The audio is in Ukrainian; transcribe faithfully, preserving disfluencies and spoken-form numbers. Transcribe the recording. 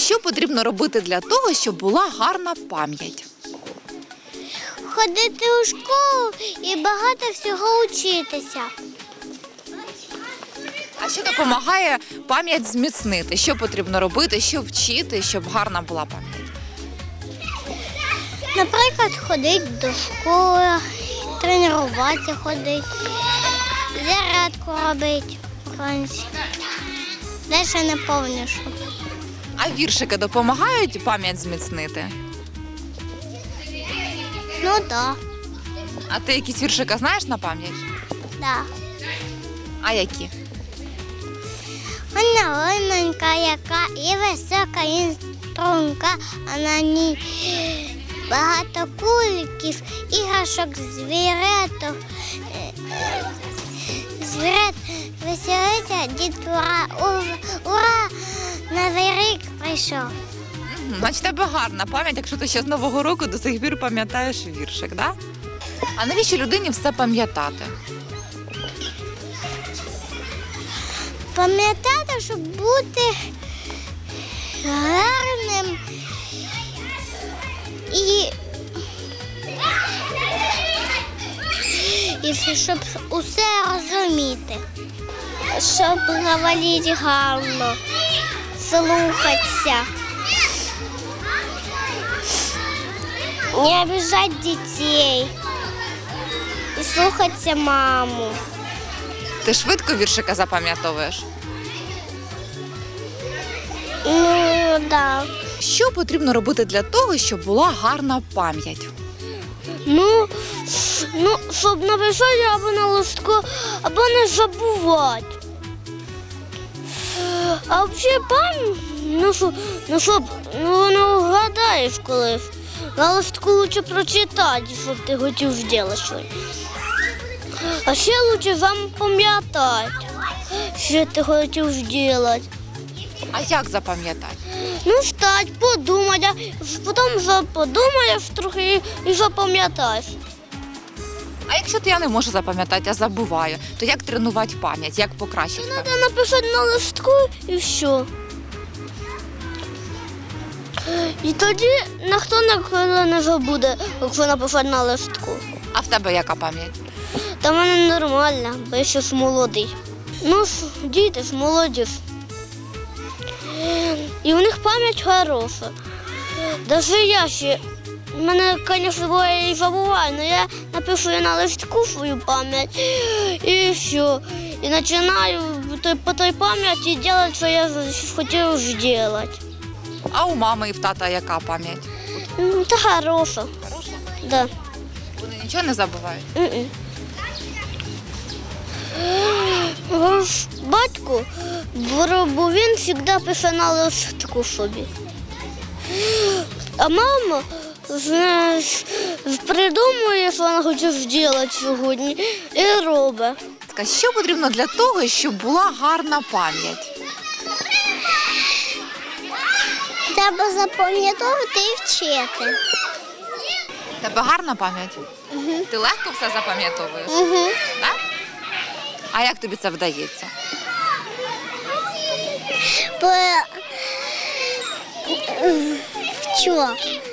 що потрібно робити для того, щоб була гарна пам'ять? Ходити у школу і багато всього вчитися. А що допомагає пам'ять зміцнити? Що потрібно робити, що вчити, щоб гарна була пам'ять? Наприклад, ходити до школи, тренуватися ходити, зарядку робити вранці. Далі не пам'ятаю, що. А віршики допомагають пам'ять зміцнити? Ну так, да, А ти якісь віршики знаєш на пам'ять? да. А які? Вона лимонька, яка і висока, і струнка, а на ній багато куликів, іграшок, звіреток. Звірет веселиться, дід ура, ура, ура, новий рік прийшов. Значить, тебе гарна пам'ять, якщо ти ще з Нового року до сих пір пам'ятаєш віршик, да? А навіщо людині все пам'ятати? Пам'ятати, щоб бути гарним і, і щоб усе розуміти. Щоб говорити гарно, слухатися. Не обижати дітей і слухатися маму. Ти швидко віршика запам'ятовуєш? Ну, да. Що потрібно робити для того, щоб була гарна пам'ять? Ну, ну, щоб написати або на листку, або не забувати. А взагалі пам'ять, ну, що, ну, щоб, ну, не вгадаєш колись. На листку краще прочитати, щоб ти хотів зробити щось. А ще краще запам'ятати, що ти хотів зробити. А як запам'ятати? Ну, встать, подумати, а потім вже подумаєш трохи і запам'ятаєш. А якщо то я не можу запам'ятати, а забуваю, то як тренувати пам'ять, як покращити пам'ять? Треба написати на листку і все. І тоді ніхто ніколи не забуде, якщо написати на листку. А в тебе яка пам'ять? Та в мене нормально, бо я ще ж молодий. Ну ж, діти ж молоді ж. І у них пам'ять хороша. Навіть я ще, в мене, звісно, буває і забуваю, але я напишу на листку свою пам'ять і все. І починаю по той пам'яті робити, що я хотів зробити. А у мами і в тата яка пам'ять? Ну, та хороша. Хороша? Да. Вони нічого не забувають? Mm-mm. Ваш батько, бо він завжди пише на листку собі. А мама, знаєш, придумує, що вона хоче зробити сьогодні, і робить. Що потрібно для того, щоб була гарна пам'ять? Треба запам'ятовувати і вчити. В тебе гарна пам'ять? Угу. Ти легко все запам'ятовуєш? Угу. Так? А як тобі це вдається? По... Що?